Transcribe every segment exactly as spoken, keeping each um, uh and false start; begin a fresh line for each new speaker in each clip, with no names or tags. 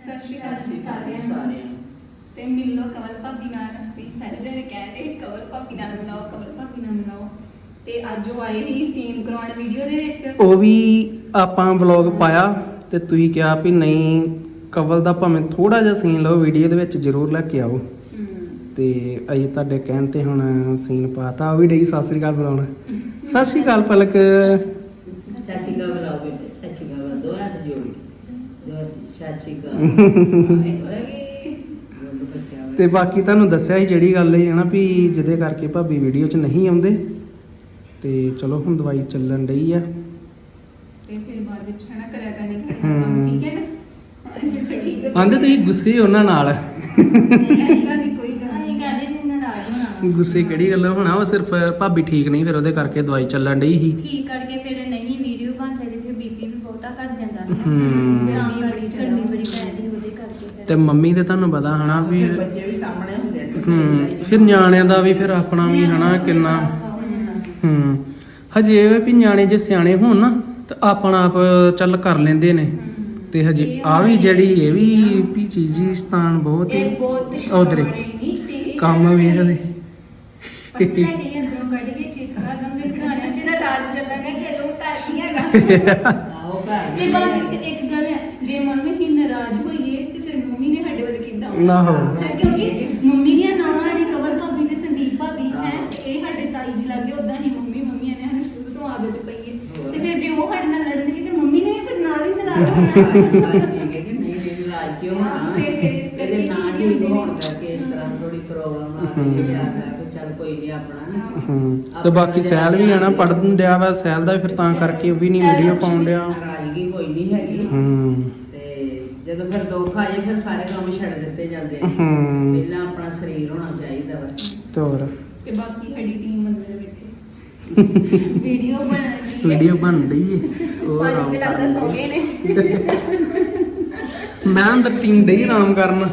ਸਤਿ ਸ਼੍ਰੀ ਅਕਾਲ ਜੀ ਸਾਰਿਆਂ ਨੂੰ ਤੇ ਮਿਲੋ ਕਮਲ ਭਾਬੀ ਨਾਲ ਵੀ ਸਾਰੇ ਜਣੇ ਕਹਿੰਦੇ ਕਮਲ ਭਾਬੀ ਨਾਲ ਮਿਲਾਓ ਕਮਲ ਭਾਬੀ ਨਾਲ ਮਿਲਾਓ ਤੇ ਅੱਜ ਉਹ ਆਏ ਹੀ ਸੀਨ ਕਰਾਉਣ ਵੀਡੀਓ ਦੇ ਵਿੱਚ
ਉਹ ਵੀ ਆਪਾਂ ਵਲੌਗ ਪਾਇਆ ਤੇ ਤੁਸੀਂ ਕਿਹਾ ਵੀ ਨਹੀਂ ਕਵਲ ਦਾ ਭਾਵੇਂ ਥੋੜਾ ਜਿਹਾ ਸੀਨ ਲਓ ਵੀਡੀਓ ਦੇ ਵਿੱਚ ਜ਼ਰੂਰ ਲੈ ਕੇ ਆਓ ਤੇ ਅਸੀਂ ਤੁਹਾਡੇ ਕਹਿਣ ਤੇ ਹੁਣ ਸੀਨ ਪਾਤਾ ਉਹ ਵੀ ਡਈ ਸਤਿ ਸ੍ਰੀ ਅਕਾਲ ਬੁਲਾਉਣ ਸਤਿ ਸ੍ਰੀ ਅਕਾਲ ਪਲਕ
ਸਤਿ ਸ਼੍ਰੀ ਅਕਾਲ ਬੁਲਾਓ ਬੇਟੇ ਸਤਿ ਸ਼੍ਰੀ ਅਕਾਲ ਦੋ ਹੱਥ ਜੋੜ ਦੋ ਸਤਿ ਸ਼੍ਰੀ ਅਕਾਲ
ਤੇ ਬਾਕੀ ਤੁਹਾਨੂੰ ਦੱਸਿਆ ਸੀ ਜਿਹੜੀ ਗੱਲ ਇਹ ਹੈ ਨਾ ਵੀ ਜਿਹਦੇ ਕਰਕੇ ਭਾਬੀ ਵੀਡੀਓ 'ਚ ਨਹੀਂ ਆਉਂਦੇ ਤੇ ਚਲੋ ਹੁਣ ਦਵਾਈ ਚੱਲਣ ਡਈ ਆ
ਤੇ ਫਿਰ ਬਾਅਦ ਵਿੱਚ ਹਨਾ ਕਰਿਆ ਕਰਨੀ ਕੰਮ ਠੀਕ ਹੈ ਨਾ ਹਾਂਜੀ ਫਿਰ ਠੀਕ ਹੈ
ਆਂਦੇ ਤੁਸੀਂ ਗੁੱਸੇ ਉਹਨਾਂ ਨਾਲ
ਇਹਦਾ ਨਹੀਂ ਕੋਈ ਗੱਲ ਨਹੀਂ ਕਰਦੇ ਨੇ ਨਾਰਾਜ਼ ਹੋਣਾ
ਗੁੱਸੇ ਕਿਹੜੀ ਗੱਲ ਹੋਣਾ ਉਹ ਸਿਰਫ ਭਾਬੀ ਠੀਕ ਨਹੀਂ ਫਿਰ ਉਹਦੇ ਕਰਕੇ ਦਵਾਈ ਚੱਲਣ ਡਈ ਸੀ
ਠੀਕ ਕਰਕੇ ਫਿਰ ਨਹੀਂ ਵੀਡੀਓ ਬਣ ਸਕਦੀ ਫਿਰ ਬੀਪੀ ਵੀ ਬਹੁਤਾ ਘਟ ਜਾਂਦਾ ਹੈ
ਹੂੰ
ਗਰਮੀ ਬੜੀ
ਗਰਮੀ ਬੜੀ ਪੈਂਦੀ ਉਹਦੇ ਕਰਕੇ ਫਿਰ
ਤੇ ਮੰਮੀ ਦੇ ਤੁਹਾਨੂੰ ਪਤਾ ਹਨਾ ਵੀ
ਬੱਚੇ ਵੀ ਸਾਹਮਣੇ ਹੁੰਦੇ ਨੇ
ਹੂੰ ਫਿਰ ਨਿਆਣਿਆਂ ਦਾ ਵੀ ਫਿਰ ਆਪਣਾ ਵੀ ਹਨਾ ਕਿੰਨਾ ਹੂੰ ਹਜੇ ਇਹ ਵੀ ਨਿਆਣੇ ਜੇ ਸਿਆਣੇ ਹੋਣ ਨਾ ਤਾਂ ਆਪਣਾ ਆਪ ਚੱਲ ਕਰ ਲੈਂਦੇ ਨੇ ਤੇ ਹਜੇ ਆ ਵੀ ਜਿਹੜੀ ਇਹ ਵੀ ਵੀ ਚੀਜ਼ੀ ਸਥਾਨ ਬਹੁਤ
ਇਹ ਬਹੁਤ
ਉਧਰੇ
ਸ਼ਾਨੇ ਨਹੀਂ ਤੇ
ਕੰਮ ਵੇਖਦੇ
ਪਰਸ ਲੈ ਕੇ ਅੰਦਰੋਂ ਕੱਢ ਕੇ ਚੇਤਰਾ ਗਮ ਦੇ ਖਿਡਾਣਿਆਂ ਜਿਹਦਾ ਰਾਜ ਚੱਲਣਾ ਕਿ ਤੂੰ ਘਰ ਹੀ ਹੈਗਾ
ਆਓ ਘਰ
ਤੇ ਬਾਕੀ ਇੱਕ ਗੱਲ ਹੈ ਜੇ ਮੰਮੀ ਹੀ ਨਾਰਾਜ਼ ਹੋਈਏ ਤੇ ਫਿਰ ਮੰਮੀ ਨੇ ਸਾਡੇ ਵੱਲ ਕਿੱਦਾਂ
ਨਾ ਹੋ
ਹੈ ਕਿਉਂਕਿ ਮੰਮੀ ਦੀਆਂ ਨਾਵਾਂ ਨੇ ਕਵਲ ਭਾਬੀ ਤੇ ਸੰਦੀਪ ਭਾਬੀ ਹੈ ਤੇ ਇਹ ਸਾਡੇ ਤਾਈ ਜੀ ਲੱਗੇ ਉਦਾਂ ਹੀ ਮੰਮੀ ਮੰਮੀਆਂ ਨੇ ਸਾਨੂੰ ਸ਼ੁਰੂ ਤੋਂ ਆਦਤ ਪਈ ਹੈ ਤੇ ਫਿਰ ਜੇ ਉਹ ਸਾਡੇ ਨਾਲ ਲੜਨਗੇ ਤੇ ਮੰਮੀ ਨੇ ਵੀ ਫਿਰ ਨਾਲ ਹੀ ਨਾਰਾਜ਼ ਹੋਣਾ
ਨਹੀਂ ਰਾਜ ਕਿਉਂ ਹੋਣਾ
ਤੇ ਫਿਰ ਇਸ ਕਰਕੇ
ਇਹਦੇ ਨਾਲ ਹੀ ਹੋਣ ਕਰਕੇ ਇਸ ਤਰ੍ਹਾਂ ਥੋੜੀ ਪ੍ਰੋਬਲਮ ਆ ਗਈ ਹੈ ਕਿ ਚੱਲ ਕੋਈ ਨਹੀਂ ਆਪਣਾ
ਹੂੰ ਤੇ ਬਾਕੀ ਸੈਲ ਵੀ ਆਣਾ ਪੜਨ ਡਿਆ ਵਾ ਸੈਲ ਦਾ ਫਿਰ ਤਾਂ ਕਰਕੇ ਉਹ ਵੀ ਨਹੀਂ ਵੀਡੀਓ ਪਾਉਣ ਡਿਆ
ਨਾਰਾਜ਼ਗੀ ਕੋਈ ਨਹੀਂ ਹੈਗੀ
ਹੂੰ
ਤੇ ਜਦੋਂ ਫਿਰ ਦੁੱਖ ਆ ਜਾਏ ਫਿਰ ਸਾਰੇ ਕੰਮ ਛੱਡ ਦਿੱਤੇ ਜਾਂਦੇ ਆ
ਹੂੰ
ਪਹਿਲਾਂ ਆਪਣਾ ਸਰੀਰ ਹੋਣਾ ਚਾਹੀਦਾ ਵਾ
ਤੇ ਹੋਰ
ਤੇ ਬਾਕੀ ਸਾਡੀ ਟੀਮ ਅੰਦਰ ਬੈਠੇ ਵੀਡੀਓ ਬਣਾਉਣੀ
ਵੀਡੀਓ ਬਣ ਰਹੀ ਹੈ ਉਹ
ਪਾਣੀ
ਆਰਾਮ
ਤੇ ਲੱਗਦਾ
ਕਰਨ
ਸੌ ਗਏ ਨੇ
ਮੈਂ ਅੰਦਰ ਟੀਮ ਡਈ ਆਰਾਮ ਕਰਨ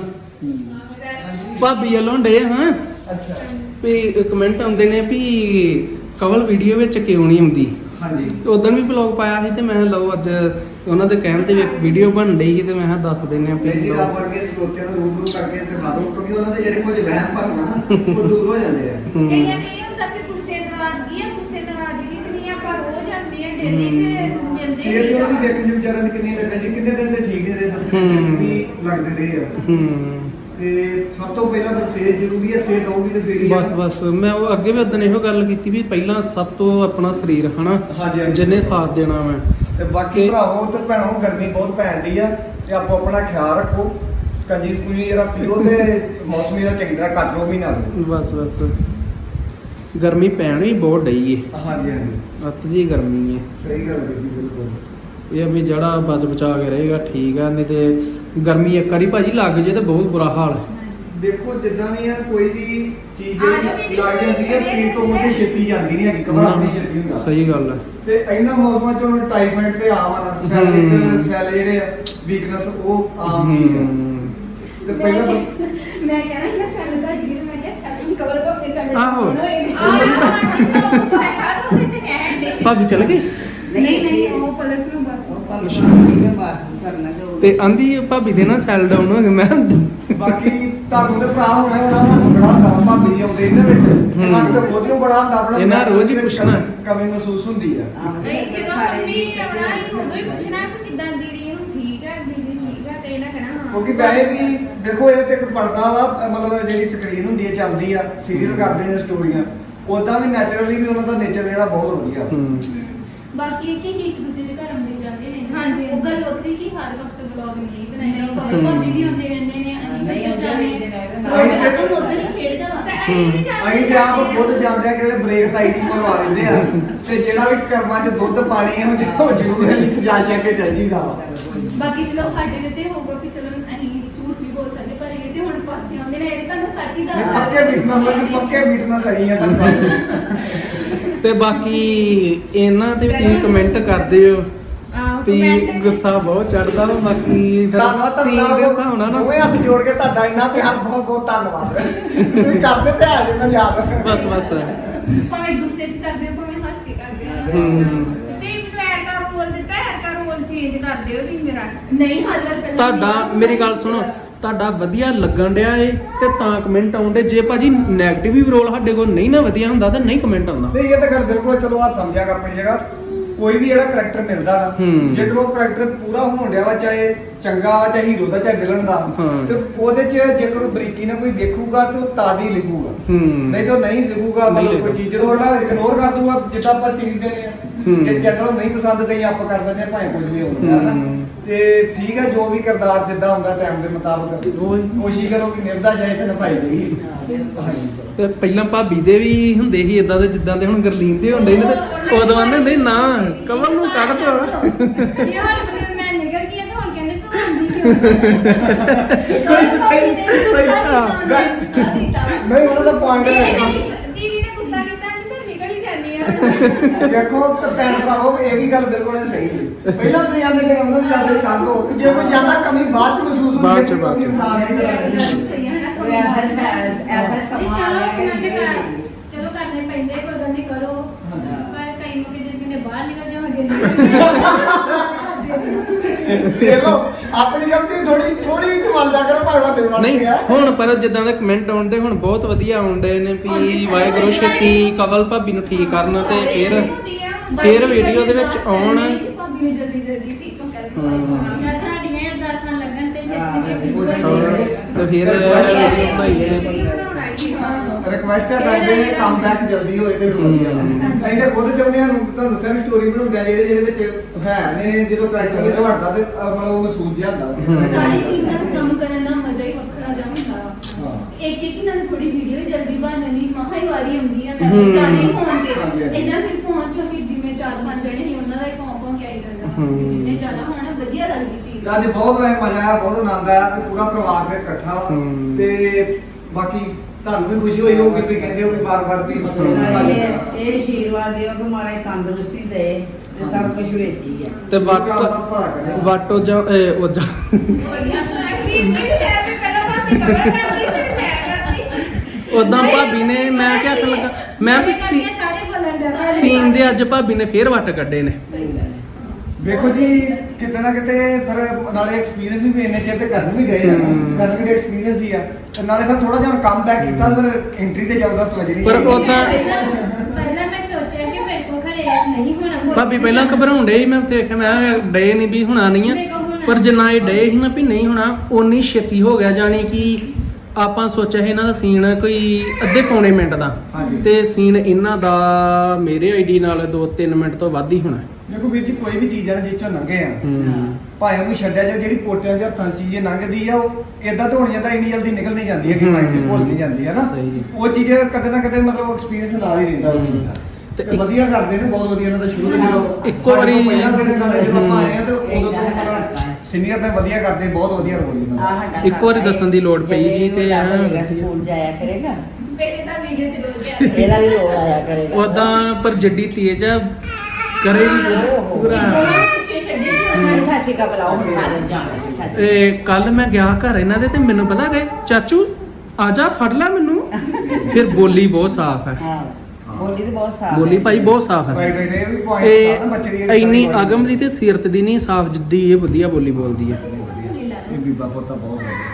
ਭਾਬੀ ਵੱਲੋਂ ਡੇ ਹਾਂ
ਅੱਛਾ
ਵੀ ਕਮੈਂਟ ਆਉਂਦੇ ਨੇ ਵੀ ਕਵਲ ਵੀਡੀਓ ਵਿੱਚ ਕਿਉਂ ਨਹੀਂ ਆਉਂਦੀ
ਹਾਂਜੀ
ਉਦੋਂ ਵੀ ਵਲੌਗ ਪਾਇਆ ਸੀ ਤੇ ਮੈਂ ਲਓ ਅੱਜ ਉਹਨਾਂ ਦੇ ਕਹਿਣ ਤੇ ਵੀ ਇੱਕ ਵੀਡੀਓ ਬਣ ਰਹੀ ਸੀ ਤੇ ਮੈਂ ਕਿਹਾ ਦੱਸ ਦਿੰਨੇ ਆ ਵੀ
ਜੀ ਰੱਬ ਵਰਗੇ ਸਰੋਤਿਆਂ ਨੂੰ ਰੂਬਰੂ ਕਰਕੇ ਤੇ ਮਾਰੋ ਕਿਉਂਕਿ ਉਹਨਾਂ ਦੇ ਜਿਹੜੇ ਕੁਝ ਵਹਿਮ ਭਰਮ ਆ ਨਾ ਉਹ ਦੂਰ ਹੋ ਜਾਂਦੇ ਆ
ਹੂੰ।
ਕਈਆਂ ਨੇ ਇਹ ਹੁੰਦਾ ਕਿ ਗੁੱਸੇ ਨਾਰਾਜ਼ਗੀ ਹੈ ਗੁੱਸੇ ਨਾਰਾਜ਼ਗੀ ਤੇ ਨਹੀਂ ਆਪਾਂ ਰੋਜ਼ ਆਉਂਦੇ ਆ ਡੇਲੀ ਤੇ ਮਿਲਦੇ
ਸਿਹਤ ਵੀ ਉਹਨਾਂ ਦੀ ਵੇਖਣ ਦੀ ਵਿਚਾਰਿਆਂ ਦੀ ਕਿੰਨੀ ਲੱਗਣ ਦੀ ਕਿੰਨੇ ਦਿਨ ਤੇ ਠੀਕ ਨੇ
ਹੂੰ।
ਦੱਸਣ ਵੀ ਲੱਗਦੇ ਰਹੇ ਆ
ਹੂੰ
ਤੇ ਸਭ ਤੋਂ ਪਹਿਲਾਂ ਤਾਂ ਸਿਹਤ ਜ਼ਰੂਰੀ ਹੈ ਸਿਹਤ ਹੋਊਗੀ ਤੇ ਫੇਰ ਹੀ ਆ।
ਬਸ ਬਸ ਮੈਂ ਉਹ ਅੱਗੇ ਵੀ ਉਦੋਂ ਇਹੋ ਗੱਲ ਕੀਤੀ ਵੀ ਪਹਿਲਾਂ ਸਭ ਤੋਂ ਆਪਣਾ ਸਰੀਰ ਹਨਾ
ਹਾਂਜੀ, ਹਾਂਜੀ।
ਜਿੰਨੇ ਸਾਥ ਦੇਣਾ ਮੈਂ
ਤੇ ਬਾਕੀ
ਤੇ-
ਭਰਾਵੋ ਤੇ ਭੈਣੋ ਗਰਮੀ ਬਹੁਤ ਪੈਂਦੀ ਆ ਤੇ ਆਪੋ ਆਪਣਾ ਖਿਆਲ ਰੱਖੋ ਸਕੰਜੀ ਸਕੂਜੀ ਜਿਹੜਾ ਪੀਓ ਤੇ ਮੌਸਮੀ ਦਾ ਚੰਗੀ ਤਰ੍ਹਾਂ ਕੱਟ ਲਓ ਮਹੀਨਾ ਨੂੰ
ਬਸ ਬਸ ਗਰਮੀ ਪੈਣ ਵੀ ਬਹੁਤ ਡਈ ਏ
ਹਾਂਜੀ ਹਾਂਜੀ
ਅੱਤ ਦੀ ਗਰਮੀ ਏ
ਸਹੀ ਗੱਲ ਹੈ ਜੀ ਬਿਲਕੁਲ
ਇਹ ਵੀ ਜਿਹੜਾ ਬਚ ਬਚਾ ਕੇ ਰਹੇਗਾ ਠੀਕ ਆ ਨਹੀਂ ਤੇ ਗਰਮੀ ਇੱਕ ਵਾਰੀ ਭਾਜੀ ਲੱਗ ਜੇ ਤੇ ਬਹੁਤ ਬੁਰਾ ਹਾਲ ਹੈ
ਦੇਖੋ ਜਿੱਦਾਂ ਵੀ ਆ ਕੋਈ ਵੀ ਚੀਜ਼
ਆ ਜਾਂਦੀ
ਜਿਹੜੀ ਲੱਗ ਜਾਂਦੀ ਹੈ ਸਰੀਰ ਤੋਂ ਉਹਦੇ ਛੇਤੀ ਜਾਂਦੀ ਨਹੀਂ ਹੈਗੀ ਕਮਰ ਆਪਣੀ ਛੇਤੀ ਹੁੰਦਾ
ਸਹੀ ਗੱਲ ਹੈ
ਤੇ ਇਹਨਾਂ ਮੌਸਮਾਂ ਚ ਹੁਣ ਟਾਈਫਾਇਡ ਤੇ ਆਮ ਆ
ਹੂੰ।
ਸੈਲਿਕ ਸੈਲ ਜਿਹੜੇ ਆ ਵੀਕਨੈਸ ਉਹ ਆਮ ਚੀਜ਼ ਆ
ਹੂੰ।
ਤੇ ਪਹਿਲਾਂ ਤਾਂ-
ਮੈਂ ਕਹਿਣਾ ਸੀ ਮੈਂ ਸੈਲ ਦਾ ਡਿਗਰੀ ਮੈਂ ਕਿਹਾ ਸੈਲ ਕਵਰ ਭਾਬੀ ਸੈਲ
ਆਹੋ।
ਆ
ਭਾਬੀ ਚਲ ਗਏ
ਨਹੀਂ ਨਹੀਂ ਉਹ ਪਲਕ ਨੂੰ ਬਾਤ
ਉਹ ਪਰ ਨਹੀਂ ਬਾਤ ਕਰਨਾ ਜੋ
ਤੇ ਆਂਦੀ ਭਾਬੀ ਦੇ ਨਾ ਸੈਲ ਡਾਊਨ ਹੋ ਗਏ ਮੈਂ
ਬਾਕੀ ਤੁਹਾਨੂੰ ਤੇ ਭਰਾ ਹੋਣਾ ਉਹਨਾਂ ਨੂੰ ਬੜਾ ਹੁੰਦਾ ਵਾ ਭਾਬੀ ਜੀ ਆਉਂਦੇ ਇਹਨਾਂ ਵਿੱਚ
ਹੂੰ।
ਹੱਥ ਤੇ ਖੁਦ ਨੂੰ ਬੜਾ ਹੁੰਦਾ ਆਪਣਾ
ਇਹਨਾਂ ਰੋਜ਼ ਹੀ ਪੁੱਛਣਾ।
ਕਮੀ ਮਹਿਸੂਸ ਹੁੰਦੀ ਆ
ਨਹੀਂ ਜਦੋਂ ਮੰਮੀ ਆਉਣਾ ਹੀ ਉਦੋਂ ਹੀ ਪੁੱਛਣਾ ਕਿ ਕਿਦਾਂ ਦੀਦੀ ਨੂੰ ਠੀਕ ਹੈ ਦੀਦੀ ਠੀਕ ਹੈ ਤੇ ਇਹਨਾਂ ਕਹਿਣਾ ਹਾਂ
ਕਿਉਂਕਿ ਵੈਸੇ ਵੀ ਦੇਖੋ ਇਹ ਤੇ ਇੱਕ ਪਰਦਾ ਵਾ ਮਤਲਬ ਜਿਹੜੀ ਸਕਰੀਨ ਹੁੰਦੀ ਹੈ ਚੱਲਦੀ ਆ ਸੀਰੀਅਲ ਕਰਦੇ ਨੇ ਸਟੋਰੀਆਂ ਉਦਾਂ ਵੀ ਨੈਚੁਰਲੀ ਵੀ ਉਹਨਾਂ ਦਾ ਨੇਚਰ ਜਿਹੜਾ ਬਹੁਤ ਵਧੀਆ
ਹੂੰ
ਬਾਕੀ ਇਹ ਕਿ ਇੱਕ ਦੂਜੇ ਦੇ ਘਰ ਆਉਂਦੇ ਜਾਂਦੇ ਨੇ
ਹਾਂਜੀ।
ਉਹ ਗੱਲ ਵੱਖਰੀ ਕਿ ਹਰ ਵਕਤ ਵਲੌਗ ਨਹੀਂ ਬਣਾਏ ਉਹ ਕਵਲ ਭਾਬੀ ਵੀ ਆਉਂਦੇ ਰਹਿੰਦੇ ਨੇ ਅਸੀਂ ਵੀ ਉੱਧਰ ਜਾਂਦੇ ਹਾਂ ਉਹ ਉਧਰ ਹੀ ਖੇਡਦਾ ਵਾ
ਅਸੀਂ ਤੇ ਆਪ ਖੁਦ ਜਾਂਦੇ ਆ ਕਿ ਬ੍ਰੇਕ ਤਾਈ ਦੀ ਭਰਵਾ ਲੈਂਦੇ ਆ ਤੇ ਜਿਹੜਾ ਵੀ ਕਰਮਾਂ 'ਚ ਦੁੱਧ ਪਾਣੀ ਹੈ ਉਹ ਜ਼ਰੂਰ ਅਸੀਂ ਜਾ ਚੱਕ ਕੇ ਚੱਲ ਜੀਦਾ ਵਾ
ਬਾਕੀ ਚਲੋ ਸਾਡੇ ਤੇ ਹੋਊਗਾ ਕਿ ਚਲੋ ਅਸੀਂ ਝੂਠ ਵੀ ਬੋਲ ਸਕਦੇ ਪਰ ਇਹ ਤੇ ਹੁਣ ਪਾਸੇ ਆਉਂਦੇ ਨੇ ਇਹ ਤੁਹਾਨੂੰ ਸੱਚ ਹੀ
ਨਹੀਂ,
ਦੱਸਦਾ
ਪੱਕੇ ਮੀਟਨੈਸ ਲੱਗੀ ਪੱਕੇ ਮੀਟਨੈਸ ਆਈ ਆ ਤੁਹਾਨੂੰ
ਤੇ ਬਾਕੀ ਇਹਨਾਂ ਤੇ ਵੀ ਤੁਸੀਂ ਕਮੈਂਟ ਕਰਦੇ ਹੋ ਵੀ ਗੁੱਸਾ ਬਹੁਤ ਚੜਦਾ ਵਾ ਬਾਕੀ ਫਿਰ
ਧੰਨਵਾਦ
ਸੀਨ ਦੇ ਹਿਸਾਬ ਨਾਲ ਨਾ
ਦੋਵੇਂ ਹੱਥ ਜੋੜ ਕੇ ਤੁਹਾਡਾ ਇੰਨਾ ਪਿਆਰ ਬਹੁਤ ਬਹੁਤ ਧੰਨਵਾਦ ਤੁਸੀਂ ਕਰਦੇ ਤੇ ਆ ਜਿੰਨਾ ਯਾਦ
ਬਸ ਬਸ
ਭਾਵੇਂ ਗੁੱਸੇ 'ਚ ਕਰਦੇ ਹੋ ਭਾਵੇਂ ਹੱਸ ਕੇ ਕਰਦੇ ਹੋ
ਹੂੰ।
ਤੇ ਪੈਰ ਦਾ ਰੋਲ ਦਿੱਤਾ ਹੈ ਹਰ ਰੋਲ ਚ ਚੇਂਜ ਕਰ ਦਿਓ ਵੀ ਮੇਰਾ
ਨਹੀਂ ਹਰ ਵਾਰ ਪਹਿਲਾਂ
ਤੁਹਾਡਾ
ਮੇਰਾ
ਮੇਰੀ ਗੱਲ ਸੁਣੋ, ਤੁਹਾਡਾ ਵਧੀਆ ਲੱਗਣ ਡਿਆ ਏ ਤੇ ਤਾਂ ਕਮੈਂਟ ਆਉਂਦੇ। ਜੇ ਭਾਜੀ 네ਗੇਟਿਵ ਵੀ ਰੋਲ ਸਾਡੇ ਕੋਲ ਨਹੀਂ ਨਾ ਵਧੀਆ ਹੁੰਦਾ ਤਾਂ ਨਹੀਂ ਕਮੈਂਟ ਆਉਂਦਾ।
ਨਹੀਂ ਇਹ ਤਾਂ ਗੱਲ ਬਿਲਕੁਲ ਚਲੋ ਆ ਸਮਝਿਆਗਾ ਆਪਣੀ ਜਗ੍ਹਾ। ਕੋਈ ਵੀ ਜਿਹੜਾ ਕਰੈਕਟਰ ਮਿਲਦਾ ਨਾ,
ਹੂੰ।
ਜੇਕਰ ਉਹ ਕਰੈਕਟਰ ਪੂਰਾ ਹੋਣ ਡਿਆ ਵਾ, ਚਾਹੇ ਚੰਗਾ ਵਾ ਚਾਹੇ ਹੀਰੋ ਦਾ ਚਾਹੇ ਵਿਲਨ ਦਾ,
ਹਾਂ।
ਤੇ ਉਹਦੇ 'ਚ ਜੇਕਰ ਉਹ ਬਰੀਕੀ ਨਾਲ ਕੋਈ ਦੇਖੂਗਾ ਤੇ ਉਹ ਤਾਦੀ ਲਿਖੂਗਾ।
ਹੂੰ।
ਨਹੀਂ ਤਾਂ ਉਹ ਨਹੀਂ ਲਿਖੂਗਾ,
ਨਹੀਂ
ਮਤਲਬ ਕੋਈ ਚੀਜ਼ ਨੂੰ ਉਹਦਾ ਇਗਨੋਰ ਕਰ ਦੂਗਾ, ਜਿੱਦਾਂ ਆਪਾਂ ਟੀਵੀ ਦੇ ਨੇ
ਹੂੰ।
ਜੇ ਚੈਨਲ ਨਹੀਂ ਪਸੰਦ ਤੇ ਆਪਾਂ ਕਰ ਦਿੰਦੇ ਆ ਭਾਵੇਂ ਕੁਝ ਵੀ ਹੋਵੇ ਹੈ ਨਾ।
ਹੂੰ।
ਤੇ ਠੀਕ ਹੈ, ਜੋ ਵੀ ਕਿਰਦਾਰ ਜਿੱਦਾਂ ਹੁੰਦਾ ਟਾਈਮ ਦੇ ਮੁਤਾਬਕ
ਉਹੀ।
ਕੋਸ਼ਿਸ਼ ਕਰੋ ਕਿ ਨਿਭਦਾ ਜਾਏ ਤੇ ਨਿਭਾਈ ਜਾਈ। ਹਾਂਜੀ।
ਤੇ ਪਹਿਲਾਂ ਭਾਬੀ ਦੇ ਵੀ ਹੁੰਦੇ ਸੀ ਇਦਾਂ ਦੇ ਜਿੱਦਾਂ ਦੇ ਹੁਣ ਗਰਲੀਨ ਦੇ ਹੁੰਦੇ ਨੇ, ਤੇ ਉਦੋਂ ਆਂਦੇ ਹੁੰਦੇ ਸੀ, ਨਾ ਕਵਲ ਨੂੰ ਕੱਢ ਦੋ।
ਜੇ ਹਾਲ ਬਲੇ ਮੈਂ ਨਿਕਲ ਗਈ ਤਾਂ ਹੁਣ ਕਹਿੰਦੇ ਤੂੰ ਆਉਂਦੀ ਕਿਉਂ
ਸਹੀ ਸਹੀ ਸਹੀ ਨਹੀਂ ਉਹਨਾਂ ਦਾ ਪੁਆਇੰਟ ਹੈ।
ਦੀਦੀ ਨੇ ਗੁੱਸਾ ਕੀਤਾ ਕਿ ਮੈਂ ਨਿਕਲ ਹੀ ਜਾਂਦੀ ਆ।
ਦੇਖੋ ਭੈਣ ਭਰਾਵੋ, ਇਹ ਵੀ ਗੱਲ ਬਿਲਕੁਲ ਸਹੀ ਹੈ। ਪਹਿਲਾਂ ਤੁਸੀਂ ਆਂਦੇ ਕਿ ਉਹਨਾਂ ਦੀ ਗੱਲ ਕਰ ਦੋ, ਜੇ ਕੋਈ ਜ਼ਿਆਦਾ ਕਮੀ ਬਾਅਦ ਚ ਮਹਿਸੂਸ ਹੁੰਦੀ
ਬਾਅਦ ਚ,
ਹੈ
ਬਾਅਦ ਚ।
ਇਨਸਾਨ ਨਹੀਂ ਕਰਦਾ।
ਸਹੀ ਹੈ ਨਾ
ਕੋਈ ਐਸਾ ਐਸਾ ਐਸਾ ਸਮਾਂ ਆ ਗਿਆ ਕਿ
ਚਲੋ ਕਰਨੇ ਪੈਂਦੇ ਕੋਈ ਗੱਲ ਨਹੀਂ ਕਰੋ, ਪਰ ਕਈ ਲੋਕ ਜੇ ਕਿਨੇ ਬਾਹਰ ਨਿਕਲ ਜਾਓਗੇ
ਦੇਖ ਲਓ ਆਪਣੀ ਗਲਤੀ ਥੋੜੀ ਥੋੜੀ ਕਮਾਲਦਾ ਕਰੋ ਭਾਵੇਂ ਬੇਵਾਨ
ਨਹੀਂ
ਹੈ।
ਹੁਣ ਪਰ ਜਿੱਦਾਂ ਦੇ ਕਮੈਂਟ ਆਉਂਦੇ ਹੁਣ ਬਹੁਤ ਵਧੀਆ ਆਉਂਦੇ ਨੇ ਵੀ ਵਾਹਿਗੁਰੂ ਛੇਤੀ ਕਵਲ ਭਾਬੀ ਨੂੰ ਠੀਕ ਕਰਨ ਤੇ ਫਿਰ ਫਿਰ ਵੀਡੀਓ ਦੇ ਵਿੱਚ ਆਉਣ।
ਭਾਬੀ ਨੂੰ ਜਲਦੀ ਜਲਦੀ ਠੀਕ ਕਰ
ਹਾਂ।
ਤੁਹਾਡੀਆਂ ਅਰਦਾਸਾਂ ਲੱਗਣ ਤੇ ਛੇਤੀ ਠੀਕ
ਹੋਰ
ਹੋਏ।
ਤੇ ਫਿਰ ਵੀਡੀਓ ਬਣਾਈ ਨੇ।
ਰਿਕਵੈਸਟ ਹੈ ਕਰਦੇ ਨੇ ਕੰਮ ਬੈਕ ਜਲਦੀ ਹੋਏ ਤੇ ਵਧੀਆ। ਅਸੀਂ ਤਾਂ ਖੁਦ ਚਾਹੁੰਦੇ ਹਾਂ, ਤੁਹਾਨੂੰ ਦੱਸਿਆ ਵੀ ਸਟੋਰੀ ਬਣਾਉਂਦੇ ਆ ਜਿਹੜੇ ਜਿਹਦੇ ਵਿੱਚ ਹੈ ਨੇ, ਜਦੋਂ ਕਰੈਕਟਰ ਵੀ ਤੁਹਾਡਾ ਤੇ ਮਤਲਬ ਉਹ ਮਹਿਸੂਸ ਜਿਹਾ ਹੁੰਦਾ।
ਸਾਰੀ ਟੀਮ ਨਾਲ ਕੰਮ ਕਰਨ ਦਾ ਮਜ਼ਾ ਹੀ ਵੱਖਰਾ ਜਿਹਾ ਹੁੰਦਾ ਵਾ।
ਹਾਂ।
ਇੱਕ ਇੱਕ ਨਾਲ ਥੋੜੀ ਵੀਡੀਓ ਜਲਦੀ ਬਣ ਜਾਂਦੀ, ਮਹਾ ਹੀ ਵਾਰੀ ਆਉਂਦੀ ਆ
ਹੂੰ।
ਮੈਂ ਜਾਣੇ ਹੋਣ
ਹਾਂਜੀ,
ਤੇ
ਹਾਂਜੀ।
ਇਦਾਂ ਫਿਰ ਪਹੁੰਚੋ ਕਿ ਜਿਵੇਂ ਚਾਰ ਪੰਜ ਜਣੇ ਸੀ ਉਹਨਾਂ ਦਾ ਹੀ ਪਹੁੰਚ ਪਹੁੰਚ ਕੇ ਆਈ ਜਾਂਦਾ ਵਾ।
ਹੂੰ।
ਤੇ ਜਿੰਨੇ ਜ਼ਿਆਦਾ ਹੋਣਾ ਵਧੀਆ ਲੱਗਦੀ ਚੀਜ਼।
ਅੱਜ ਬਹੁਤ ਵੈਸੇ ਮਜ਼ਾ ਆਇਆ, ਬਹੁਤ ਆਨੰਦ ਆਇਆ ਤੇ ਪੂਰਾ ਪਰਿਵਾਰ ਫਿਰ ਇਕੱਠਾ ਵਾ।
ਹੂੰ।
ਤੇ ਬਾਕੀ ਤੁਹਾਨੂੰ ਵੀ ਖੁਸ਼ੀ ਹੋਈ ਹੋਊਗੀ, ਤੁਸੀਂ ਕਹਿੰਦੇ ਹੋ ਕਿ ਬਾਰ-ਬਾਰ ਵੀ ਮਤਲਬ
ਇਹ ਇਹ ਆਸ਼ੀਰਵਾਦ ਦਿਓ ਕਿ ਮਾਰੇ ਤੰਦਰੁਸਤੀ ਦੇ ਤੇ ਸਭ ਕੁਝ ਵਿੱਚ ਹੀ ਹੈ।
ਤੇ
ਵਾਟ
ਵੱਟ ਵਾਟੋ ਜਾ ਉਹ ਜਾ ਉਦਾਂ ਭਾਬੀ ਨੇ ਮੈਂ ਕਿਹਾ ਹੱਥ ਲੱਗਾ ਮੈਂ ਵੀ ਸੀ-
ਸਾਰੇ ਬੋਲਣ ਡਿਆ
ਸੀਨ ਦੇ ਅੱਜ ਭਾਬੀ ਨੇ ਫੇਰ ਵੱਟ ਕੱਢੇ ਨੇ।
ਵੇਖੋ ਜੀ, ਕਿਤੇ ਨਾ ਕਿਤੇ ਫਿਰ ਨਾਲੇ ਐਕਸਪੀਰੀਅੰਸ ਵੀ ਇੰਨੇ ਚਿਰ ਤੇ ਕਰਨ ਵੀ ਗਏ ਆ,
ਹੂੰ।
ਕਰਨ ਵੀ ਐਕਸਪੀਰੀਅੰਸ ਹੀ ਆ, ਤੇ ਨਾਲੇ ਫਿਰ ਥੋੜਾ ਜਿਹਾ ਕੰਮ ਬੈਕ ਕੀਤਾ ਤੇ ਫਿਰ ਐਂਟਰੀ ਤੇ ਜ਼ਬਰਦਸਤ ਵਜਣੀ
ਪਰ
ਚਾਹੀਦੀ।
ਉਦਾਂ
ਪਹਿਲਾਂ ਮੈਂ ਸੋਚਿਆ ਕਿ ਮੇਰੇ ਕੋਲ ਘਰੇ ਨਹੀਂ ਹੋਣਾ ਕੋਈ
ਭਾਬੀ ਪਹਿਲਾਂ ਘਬਰਾਉਣ ਡੇ ਸੀ, ਮੈਂ ਦੇਖਿਆ ਮੈਂ ਕਿਹਾ ਡੇ ਨਹੀਂ ਵੀ ਹੁਣਾ ਨਹੀਂ ਆ, ਪਰ ਜਿੰਨਾ ਇਹ ਡੇ ਸੀ ਨਾ ਵੀ ਨਹੀਂ ਹੋਣਾ ਓਨੀ ਛੇਤੀ ਹੋ ਗਿਆ। ਜਾਣੀ ਕਿ ਆਪਾਂ ਸੋਚਿਆ ਸੀ ਇਹਨਾਂ ਦਾ ਸੀਨ ਕੋਈ ਅੱਧੇ ਪੌਣੇ ਮਿੰਟ ਦਾ,
ਹਾਂਜੀ।
ਤੇ ਸੀਨ ਇਹਨਾਂ ਦਾ ਮੇਰੇ ਆਈਡੀ ਨਾਲ ਦੋ ਤਿੰਨ ਮਿੰਟ ਤੋਂ ਵੱਧ ਹੀ ਹੋਣਾ।
ਦੇਖੋ ਵੀਰ ਜੀ, ਕੋਈ ਵੀ ਚੀਜ਼ ਆ ਨਾ ਜਿਹ ਚੋਂ ਲੰਘੇ ਆ,
ਹੂੰ।
ਭਾਵੇਂ ਉਹਨੂੰ ਛੱਡਿਆ ਜਾ, ਜਿਹੜੀ ਪੋਟਿਆਂ ਦੇ ਹੱਥਾਂ 'ਚ ਚੀਜ਼ ਲੰਘਦੀ ਆ ਉਹ ਇਦਾਂ ਤਾਂ ਹੋਣੀ ਜਾਂਦਾ, ਇੰਨੀ ਜਲਦੀ ਨਿਕਲ ਨਹੀਂ ਜਾਂਦੀ ਹੈ ਕਿ ਮਾਈਂਡ 'ਚ ਭੁੱਲ ਨਹੀਂ ਜਾਂਦੀ ਹੈ ਨਾ।
ਸਹੀ।
ਉਹ ਚੀਜ਼ ਕਦੇ ਨਾ ਕਦੇ ਮਤਲਬ ਐਕਸਪੀਰੀਅੰਸ ਨਾਲ ਹੀ ਰਹਿੰਦਾ ਉਹ ਚੀਜ਼ ਦਾ।
ਤੇ
ਤੇ ਵਧੀਆ ਕਰਦੇ ਨੇ, ਬਹੁਤ ਵਧੀਆ ਇਹਨਾਂ ਦਾ ਸ਼ੁਰੂ ਤੋਂ ਜਦੋਂ
ਇੱਕੋ ਵਾਰੀ-
ਪਹਿਲਾਂ ਦੇ ਨਾਲੇ ਜਦੋਂ ਆਪਾਂ ਆਏ ਆ ਤੇ ਉਦੋਂ ਤੋਂ
ਹੂੰ।
ਸੀਨੀਅਰ ਨੇ ਵਧੀਆ ਕਰਦੇ, ਬਹੁਤ ਵਧੀਆ ਰੋਲ ਇਹਨਾਂ ਦਾ।
ਆਹ ਸਾਡਾ
ਇੱਕ ਵਾਰੀ
ਘਰ ਹੈ।
ਦੱਸਣ ਦੀ ਲੋੜ ਪਈ ਸੀ ਤੇ
ਜਦੋਂ ਹੋਏਗਾ ਸਕੂਲ ਜਾਇਆ ਕਰੇਗਾ,
ਮੇਰੇ ਤਾਂ ਵੀਡੀਓ ਚ ਰੋਜ਼ ਆ
ਇਹਦਾ ਵੀ ਰੋਲ ਆਇਆ ਕਰੇਗਾ।
ਉਦਾਂ ਪਰ ਜੱਡੀ ਤੇਜ ਆ, ਕਰੇ ਵੀ ਪੂਰਾ।
ਪਿੱਛੇ ਛੱਡੇ ਸੀ ਉਹਨਾਂ ਨੇ।
ਸਤਿ ਸ਼੍ਰੀ ਅਕਾਲ ਬੁਲਾਓ ਹੁਣ ਸਾਰੇ ਜਾਣਦੇ ਸਤਿ ਸ਼੍ਰੀ
ਤੇ ਕੱਲ ਮੈਂ ਗਿਆ ਘਰ ਇਹਨਾਂ ਦੇ ਤੇ ਮੈਨੂੰ ਪਤਾ ਗਏ ਚਾਚੂ ਆ ਜਾ ਫੜ ਲੈ ਮੈਨੂੰ। ਫਿਰ ਬੋਲੀ ਬਹੁਤ ਸਾਫ਼ ਹੈ,
ਅਕਾਲ। ਹਾਂ ਬੋਲੀ ਤੇ ਬਹੁਤ ਸਾਫ਼
ਬੋਲੀ
ਹੈ।
ਭਾਈ ਬਹੁਤ ਸਾਫ਼ ਹੈ।
ਰਾਈਟ ਰਾਈਟ, ਇਹ ਵੀ ਪੁਆਇੰਟ ਆ ਨਾ ਬੱਚੇ ਦੀ
ਇਹ ਇੰਨੀ ਅਗਮ ਦੀ ਤੇ ਸਿਰਤ ਦੀ ਨਹੀਂ ਸਾਫ਼ ਜਿੱਦੀ ਇਹ ਵਧੀਆ ਬੋਲੀ ਬੋਲਦੀ ਹੈ।
ਇਹ ਬੀਬਾ ਪੋਤਾ ਬਹੁਤ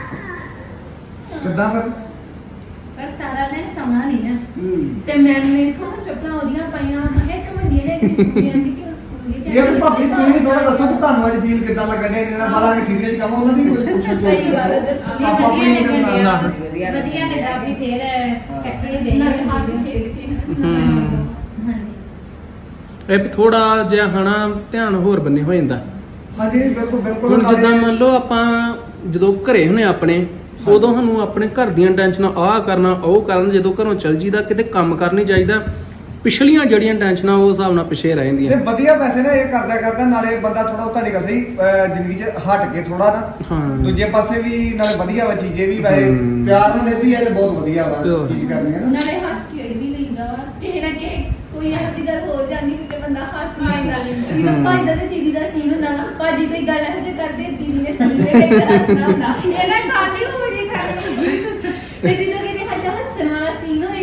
ਵਧੀਆ। ਕਿੱਦਾਂ ਫਿਰ?
ਪਰ ਸਾਰਾ ਦਿਨ ਸੌਣਾ ਨਹੀਂ ਨਾ।
ਤੇ ਮੈਂ ਵੇਖੋ ਚੱਪਲਾਂ ਉਹਦੀਆਂ ਪਾਈਆਂ ਮੈਂ ਕਿਹਾ ਇੱਕ ਵੱਡੀ ਨੇ ਕਿ ਕਹਿੰਦੀ ਕਿ ਉਹ ਸਕੂਲ ਦੀ
ਇਹ ਵੀ ਭਾਬੀ ਤੁਸੀਂ ਵੀ ਥੋੜਾ ਦੱਸੋ ਕਿ ਤੁਹਾਨੂੰ ਅੱਜ ਫੀਲ ਕਿੱਦਾਂ ਲੱਗਣ ਡਿਆ, ਇਹਨਾਂ ਬਾਲਾ ਦੇ ਸੀਰੀਅਸ ਕੰਮ ਉਹਨਾਂ ਦੀ ਕੁਝ ਪੁੱਛੋ ਜੋ
ਸਹੀ ਗੱਲ ਹੈ, ਦੱਸੋ।
ਆਪਾਂ ਆਪਣੀ
ਵਧੀਆ
ਇਹਦੇ ਨਾਲ
ਲੱਗਿਆ।
ਵਧੀਆ
ਵਧੀਆ ਲੱਗਾ ਵੀ ਫੇਰ ਇਕੱਠੇ ਦੇ
ਨਵੇਂ ਹੱਥ ਖੇਡ ਕੇ
ਹੂੰ।
ਹਾਂਜੀ
ਇਹ ਥੋੜਾ ਜਿਹਾ ਹਨਾ ਧਿਆਨ ਹੋਰ ਬੰਨੇ ਹੋ ਜਾਂਦਾ।
ਹਾਂਜੀ ਬਿਲਕੁਲ ਬਿਲਕੁਲ।
ਹੁਣ ਜਿੱਦਾਂ ਮੰਨ ਲਓ ਆਪਾਂ ਜਦੋਂ ਘਰੇ ਹੁੰਨੇ ਆਪਣੇ, ਉਦੋਂ ਸਾਨੂੰ ਆਪਣੇ ਘਰ ਦੀਆਂ ਟੈਨਸ਼ਨਾਂ ਆਹ ਕਰਨਾ ਉਹ ਕਰਨ, ਜਦੋਂ ਘਰੋਂ ਚਲ ਜੀਦਾ ਕਿਤੇ ਕੰਮ ਕਰਨੀ ਚਾਹੀਦਾ, ਪਿਛਲੀਆਂ ਜਿਹੜੀਆਂ ਟੈਨਸ਼ਨਾਂ ਉਹ ਹਿਸਾਬ ਨਾਲ ਪਿਛੇ ਰਹਿ
ਇਹ
ਜਾਂਦੀਆਂ।
ਵਧੀਆ ਪੈਸੇ ਨਾ ਇਹ ਕਰਦਾ ਕਰਦਾ ਨਾਲੇ ਬੰਦਾ ਥੋੜਾ ਉਹ ਤੁਹਾਡੀ ਗੱਲ ਸਹੀ ਅਹ ਜ਼ਿੰਦਗੀ 'ਚ ਹਟ ਕੇ ਥੋੜਾ ਨਾ
ਹਾਂ।
ਦੂਜੇ ਪਾਸੇ ਵੀ ਨਾਲੇ ਵਧੀਆ ਵਾ ਚੀਜ਼ੇ ਵੀ ਵੈਸੇ
ਹੂੰ।
ਪਿਆਰ ਨਾਲ ਲੈਂਦੀ ਹੈ ਤੇ ਬਹੁਤ ਵਧੀਆ ਵਾ
ਤੇ ਹੋਰ।
ਚੀਜ਼ ਕਰਨੀ ਹੈ ਨਾ।
ਨਾਲੇ ਹੱਸ ਖੇਡ ਵੀ ਲੈਂਦਾ ਵਾ ਕਿਸੇ ਨਾ ਕਿਸੇ ਕੋਈ ਇਹੋ ਜਿਹੀ ਗੱਲ ਹੋ ਜਾਂਦੀ ਸੀ ਤੇ ਬੰਦਾ ਹੱਸ ਲੈਂਦਾ ਲੈਂਦਾ ਜਦੋਂ ਭਾਈ ਦਾ ਤੇ ਦੀਦੀ ਦਾ ਸੀਨ ਹੁੰਦਾ ਵਾ, ਭਾਜੀ ਕੋਈ ਗੱਲ ਇਹੋ ਜਿਹੀ ਕਰਦੇ ਦੀਦੀ ਨੇ ਸੀਨ ਦੇ ਵਿੱਚ ਹੱਸਣਾ ਹੁੰਦਾ
ਇਹਨਾਂ ਖਾਲੀ ਹੋ ਜੀ ਖਾਲੀ
ਤੇ ਜਦੋਂ ਕਿਤੇ ਹੱਜਾ ਹੱਸਣ ਵਾਲਾ ਸੀਨ ਹੋਏ ਨਾ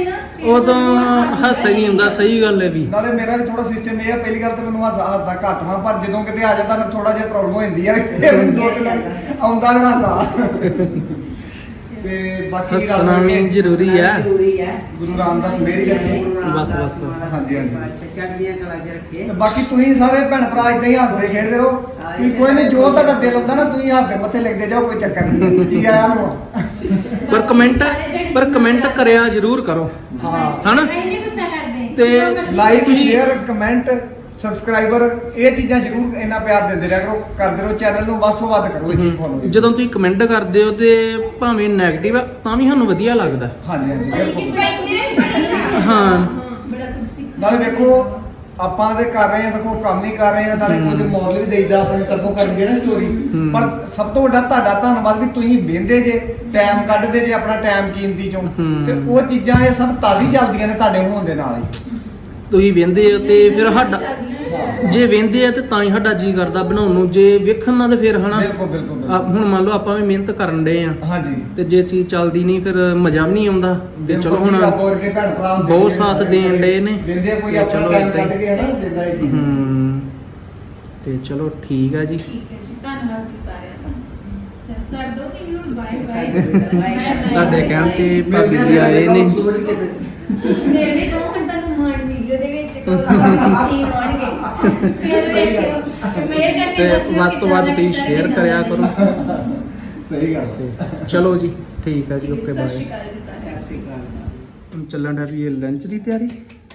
ਉਦੋਂ ਹਾਸਾ ਹੀ ਨਹੀਂ ਹੁੰਦਾ, ਸਹੀ ਗੱਲ ਹੈ ਵੀ।
ਨਾਲੇ ਮੇਰਾ ਵੀ ਥੋੜਾ ਸਿਸਟਮ ਇਹ ਆ, ਪਹਿਲੀ ਗੱਲ ਤਾਂ ਮੈਨੂੰ ਹਾਸਾ ਹੱਸਦਾ ਘੱਟ ਵਾ, ਪਰ ਜਦੋਂ ਕਿਤੇ ਆ ਜਾਂਦਾ ਮੈਨੂੰ ਥੋੜਾ ਜਿਹਾ ਪ੍ਰੋਬਲਮ ਹੋ ਜਾਂਦੀ ਆ, ਫਿਰ ਮੈਨੂੰ ਦੋ ਤਿੰਨ ਵਾਰੀ ਆਉਂਦਾ ਨਾ ਹਾਸਾ। ਤੇ ਬਾਕੀ ਗੱਲ
ਹੱਸਣਾ ਵੀ ਜ਼ਰੂਰੀ ਹੈ।
ਜ਼ਰੂਰੀ ਹੈ।
ਗੁਰੂ ਰਾਮਦਾਸ ਮੇਰੀ ਕਰਦੇ।
ਬਸ, ਬਸ।
ਹਾਂਜੀ, ਹਾਂਜੀ।
ਅੱਛਾ, ਚੜ੍ਹਦੀਆਂ ਕਲਾ 'ਚ ਰੱਖੇ।
ਤੇ ਬਾਕੀ ਤੁਸੀਂ ਸਾਰੇ ਭੈਣ ਭਰਾ ਇਦਾਂ ਹੀ ਹੱਸਦੇ ਖੇਡਦੇ ਰਹੋ, ਵੀ ਕੋਈ ਨਹੀਂ, ਜੋ ਤੁਹਾਡਾ ਦਿਲ ਹੁੰਦਾ ਨਾ ਤੁਸੀਂ ਹੱਸਦੇ ਮੱਥੇ ਲਿਖਦੇ ਜਾਓ, ਕੋਈ ਚੱਕਰ ਨਹੀਂ। ਜੀ ਆਇਆਂ ਨੂੰ।
ਪਰ ਕਮੈਂਟ ਪਰ ਕਮੈਂਟ ਕਰਿਆ ਜ਼ਰੂਰ ਕਰੋ,
ਹਾਂ।
ਹਨਾ?
ਇਹਨੇ ਗੁੱਸਾ ਕਰਦੇ
ਤੇ
ਲਾਈਕ ਸ਼ੇਅਰ ਕਮੈਂਟ ਸਬਸਕ੍ਰਾਈਬਰ ਇਹ ਚੀਜ਼ਾਂ ਜ਼ਰੂਰ ਇੰਨਾ ਪਿਆਰ ਦਿੰਦੇ ਰਿਹਾ ਕਰੋ, ਕਰਦੇ ਰਹੋ, ਚੈਨਲ ਨੂੰ ਵੱਧ ਤੋਂ ਵੱਧ ਕਰੋ ਇਹ ਚੀਜ਼ ਫੋਲੋ।
ਜਦੋਂ ਤੁਸੀਂ ਕਮੈਂਟ ਕਰਦੇ ਹੋ ਤੇ ਭਾਵੇਂ 네ਗੇਟਿਵ ਆ ਤਾਂ ਵੀ ਸਾਨੂੰ ਵਧੀਆ ਲੱਗਦਾ।
ਹਾਂਜੀ, ਹਾਂਜੀ, ਬਿਲਕੁਲ।
ਹਾਂ।
ਬੜਾ ਕੁਝ ਸਿੱਖ
ਨਾਲੇ ਵੇਖੋ ਆਪਾਂ ਤੇ ਕਰ ਰਹੇ ਆ, ਵੇਖੋ ਕੰਮ ਹੀ ਕਰ ਰਹੇ ਆ, ਨਾਲੇ ਕੁਝ ਮੌਲ ਵੀ ਦੇਈਦਾ ਆਪਣੇ ਤਰਫੋਂ ਕਰਨਗੇ ਨਾ ਸਟੋਰੀ।
ਹੂੰ।
ਪਰ ਸਭ ਤੋਂ ਵੱਡਾ ਤੁਹਾਡਾ ਧੰਨਵਾਦ ਵੀ ਤੁਸੀਂ ਵਹਿੰਦੇ ਜੇ, ਟਾਈਮ ਕੱਢਦੇ ਜੇ ਆਪਣਾ ਟਾਈਮ ਕੀਮਤੀ ਚੋਂ,
ਹੂੰ।
ਤੇ ਉਹ ਚੀਜ਼ਾਂ ਇਹ ਸਭ ਤਾਂ ਹੀ ਚੱਲਦੀਆਂ ਨੇ ਤੁਹਾਡੇ ਹੋਣ ਦੇ ਨਾਲ ਹੀ।
ਤੁਸੀਂ ਵੇਂਦੇ ਹੋ ਤੇ ਫਿਰ ਸਾਡਾ ਜੇ ਵੇਂਦੇ ਆ ਤੇ ਤਾਂ ਹੀ ਸਾਡਾ ਜੀ ਕਰਦਾ ਬਣਾਉਣ ਨੂੰ, ਜੇ ਵੇਖਣ ਨਾਲ ਤੇ ਫਿਰ ਹਨਾ।
ਬਿਲਕੁਲ, ਬਿਲਕੁਲ, ਬਿਲਕੁਲ।
ਆ ਹੁਣ ਮੰਨ ਲਓ ਆਪਾਂ ਵੀ ਮਿਹਨਤ ਕਰਨ ਡਏ ਆ
ਹਾਂਜੀ,
ਤੇ ਜੇ ਚੀਜ਼ ਚੱਲਦੀ ਨਹੀਂ ਫਿਰ ਮਜ਼ਾ ਵੀ ਨਹੀਂ ਆਉਂਦਾ। ਤੇ ਚਲੋ
ਬਿਲਕੁਲ ਜੀ,
ਹੁਣ
ਆਪਾਂ ਵਰਗੇ ਭੈਣ ਭਰਾ ਹੁੰਦੇ
ਬਹੁਤ
ਨੇ,
ਸਾਥ ਦੇਣ ਡਏ ਨੇ।
ਵਹਿੰਦੇ ਕੋਈ
ਤੇ
ਆਪਣਾ
ਚਲੋ
ਟਾਈਮ
ਏਦਾਂ ਹੀ।
ਕੱਢ ਕੇ ਹਨਾ ਦਿੰਦਾ ਇਹ ਚੀਜ਼।
ਹੂੰ। ਤੇ ਚਲੋ ਠੀਕ ਆ ਜੀ।
ਠੀਕ ਹੈ ਜੀ, ਧੰਨਵਾਦ ਜੀ ਸਾਰਿਆਂ ਦਾ। ਕਰ ਦੋ ਕਿ ਨੂੰ ਬਾਏ
ਬਾਏ।
ਤੁਹਾਡੇ ਕਹਿਣ ਤੇ
ਮਿਲਦੇ
ਭਾਬੀ
ਆ
ਜੀ ਆਏ ਨੇ।
ਮੇਰੇ ਵੀ ਕਹੋ ਹੁਣ ਤੁਹਾਨੂੰ ਮਾਣ ਵੀਡੀਓ ਦੇ ਵਿੱਚ ਕਹੋ ਕੀ ਆਉਣਗੇ ਫਿਰ ਵੇਖਿਓ ਮੇਰੇ
ਤੇ
ਕਰਕੇ
ਵੱਧ ਤੋਂ ਵੱਧ ਤੁਸੀਂ ਸ਼ੇਅਰ ਕਰਿਆ ਕਰੋ।
ਸਹੀ ਗੱਲ।
ਤੇ ਚਲੋ ਜੀ ਠੀਕ ਆ ਜੀ, ਓਕੇ
ਸਤਿ ਸ਼੍ਰੀ
ਬਾਏ।
ਅਕਾਲ ਜੀ ਸਾਰਿਆਂ
ਸਤਿ ਸ਼੍ਰੀ ਅਕਾਲ।
ਹੁਣ ਚੱਲਣ ਦਾ ਵੀ ਇਹ ਲੰਚ ਦੀ ਤਿਆਰੀ,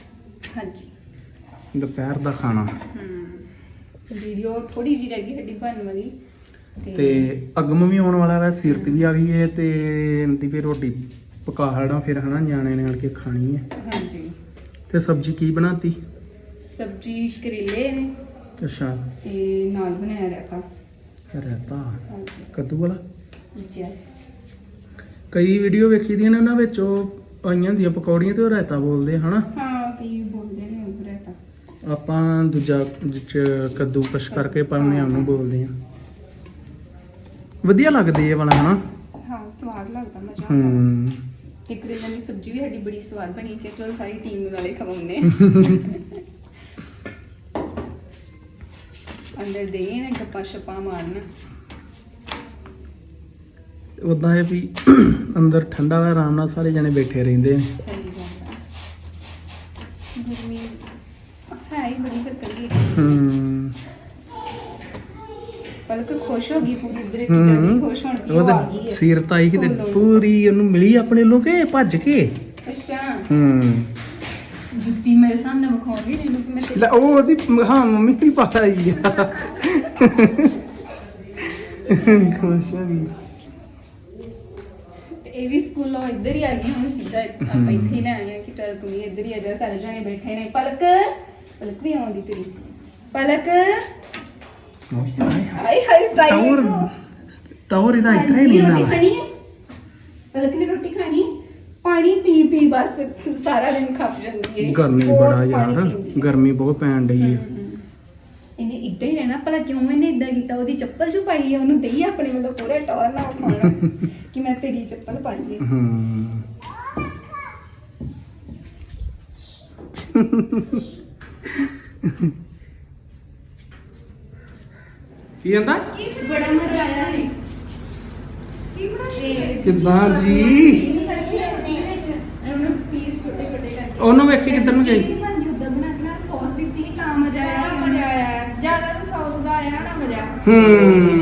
ਹਾਂਜੀ।
ਦੁਪਹਿਰ ਦਾ ਖਾਣਾ।
ਹੂੰ ਵੀਡੀਓ ਥੋੜੀ ਜਿਹੀ ਰਹਿ ਗਈ ਸਾਡੀ ਬਣਨ ਵਾਲੀ
ਤੇ ਅਗਮ ਵੀ ਆਉਣ ਵਾਲਾ ਵਾ, ਸੀਰਤ ਵੀ ਆ ਗਈ ਹੈ ਤੇ ਇਹਦੀ ਵੀ ਰੋਟੀ ਪਕਾ ਹੜਾ ਫਿਰ ਹਨਾ, ਨਿਆਣੇ ਨੇ ਆਣ ਕੇ ਖਾਣੀ ਹੈ।
ਹਾਂਜੀ।
ਤੇ ਸਬਜ਼ੀ ਕੀ ਬਣਾਤੀ?
ਸਬਜ਼ੀ ਕਰੇਲੇ ਨੇ
ਅੱਛਾ,
ਤੇ ਨਾਲ ਬਣਾਇਆ ਰਾਇਤਾ।
ਰਾਇਤਾ
ਹਾਂਜੀ।
ਕੱਦੂ ਵਾਲਾ।
ਯੈਸ।
ਕਈ ਵੀਡੀਓ ਵੇਖੀ ਦੀਆਂ ਨੇ ਉਹਨਾਂ ਵਿੱਚ ਉਹ ਆਈਆਂ ਹੁੰਦੀਆਂ ਪਕੌੜੀਆਂ ਤੇ ਉਹ ਰਾਇਤਾ ਬੋਲਦੇ ਆ, ਹਨਾ।
ਹਾਂ ਕਈ ਬੋਲਦੇ ਨੇ ਉਹ ਰਾਇਤਾ।
ਆਪਾਂ ਦੂਜਾ ਵਿੱਚ ਕੱਦੂ ਕਸ਼ ਕਰਕੇ ਪਾਉਂਦੇ ਆ ਉਹਨੂੰ ਬੋਲਦੇ ਆ। ਵਧੀਆ ਲੱਗਦੀ ਇਹ ਵਾਲਾ, ਹਨਾ।
ਹਾਂ ਸਵਾਦ ਲੱਗਦਾ, ਮਜ਼ਾ ਆਉਂਦਾ।
ਹੂੰ।
ਤੇ ਕਰੇਲਿਆਂ ਦੀ ਸਬਜ਼ੀ ਵੀ ਸਾਡੀ ਬੜੀ ਸਵਾਦ ਬਣੀ ਕਿ ਚਲੋ ਸਾਰੀ ਟੀਮ ਨੂੰ ਨਾਲੇ ਖਵਾਉਂਦੇ ਅੰਦਰ ਦੇ ਨੇ ਗੱਪਾਂ ਛਪਾਂ ਮਾਰਨ।
ਉਦਾਂ ਇਹ ਵੀ ਅੰਦਰ ਠੰਡਾ ਵਾ, ਆਰਾਮ ਨਾਲ ਸਾਰੇ ਜਣੇ ਬੈਠੇ ਰਹਿੰਦੇ ਨੇ।
ਸਹੀ ਗੱਲ ਹੈ। ਗਰਮੀ ਹੈ ਹੀ ਬੜੀ, ਫਿਰ ਕਰੀਏ।
ਹੂੰ।
ਪਲਕ ਖੁਸ਼ ਹੋ ਗਈ ਪੂਰੀ, ਇਧਰ ਕਿਤੇ ਖੁਸ਼ ਹੋਣ ਦੀ ਉਹ ਆ ਗਈ
ਉਹਦੇ
ਹੈ।
ਸੀਰਤ ਆਈ ਕਿਤੇ
ਸਕੂਲੋਂ।
ਪੂਰੀ ਉਹਨੂੰ ਮਿਲੀ ਆਪਣੇ ਲੋਕੇ ਭੱਜ ਕੇ।
ਅੱਛਾ
ਹੂੰ।
ਜੁੱਤੀ ਮੇਰੇ ਸਾਹਮਣੇ ਵਿਖਾਉਂਦੀ ਇਹਨੂੰ ਕਿ ਮੈਂ ਤੇਰੀ-
ਲੈ ਉਹ ਉਹਦੀ ਹਾਂ ਮੰਮੀ ਦੀ ਪਾਈ ਆ। ਖੁਸ਼ ਹੋ ਗਈ।
ਤੇ ਇਹ ਵੀ ਸਕੂਲੋਂ ਇੱਧਰ ਹੀ ਆ ਗਈ ਹੁਣ ਸਿੱਧਾ ਆਪਾਂ ਇੱਥੇ ਹੀ ਲੈ ਆਏ ਆ ਕਿ ਚੱਲ ਤੂੰ ਵੀ ਇੱਧਰ ਹੀ ਆ ਜਾ, ਸਾਰੇ ਜਣੇ ਬੈਠੇ ਨੇ। ਪਲਕ ਪਲਕ ਵੀ ਆਉਂਦੀ ਤੇਰੀ। ਪਲਕ high high style
tower tower ਇਹਦਾ ਇੱਥੇ ਹੀ ਨਹੀਂ
ਰੋਟੀ
ਨਾ।
ਖਾਣੀ ਹੈ? ਪਲਕ ਨੇ ਰੋਟੀ ਖਾਣੀ? ਪਾਣੀ ਪੀ ਪੀ ਬਸ ਸਾਰਾ ਦਿਨ ਖੱਪ ਜਾਂਦੀ ਹੈ।
ਗਰਮੀ
ਬਹੁਤ
ਬੜਾ
ਪਾਣੀ
ਯਾਰ,
ਪੀਂਦੀ ਹੈ।
ਗਰਮੀ ਬਹੁਤ ਪੈਣ ਡਈ ਹੈ।
ਇਹਨੇ ਇਦਾਂ ਹੀ ਰਹਿਣਾ, ਭਲਾ ਕਿਉਂ ਇਹਨੇ ਇਦਾਂ ਕੀਤਾ? ਉਹਦੀ ਚੱਪਲ ਜੋ ਪਾਈ ਹੈ ਉਹਨੂੰ ਦਈ ਆਪਣੇ ਵੱਲੋਂ ਪੂਰੇ ਟੌਰ ਨਾਲ ਉਠਾਉਣਾ ਕਿ ਮੈਂ ਤੇਰੀ ਚੱਪਲ ਪਾਈ ਹੈ।
ਹੂੰ। ਕੀ ਕਹਿੰਦਾ?
ਬੜਾ ਮਜ਼ਾ ਆਇਆ ਹੈ ਇਹ
ਕਿੱਦਾਂ ਜੀ?
ਉਹਨੂੰ ਪੀਸ ਛੋਟੇ ਛੋਟੇ ਕਰਕੇ
ਉਹਨੂੰ ਵੇਖੀ ਕਿੱਧਰ ਨੂੰ ਗਈ?
ਨਹੀਂ ਬਣਦੀ ਉਦਾਂ ਬਣਾ ਕੇ ਨਾਲ ਸੌਸ ਦਿੱਤੀ ਤਾਂ ਮਜ਼ਾ ਆਇਆ
ਮਜ਼ਾ ਆਇਆ, ਜਿਆਦਾ ਤਾਂ ਸੌਸ ਦਾ ਆਇਆ ਨਾ ਮਜ਼ਾ।
ਹੂੰ।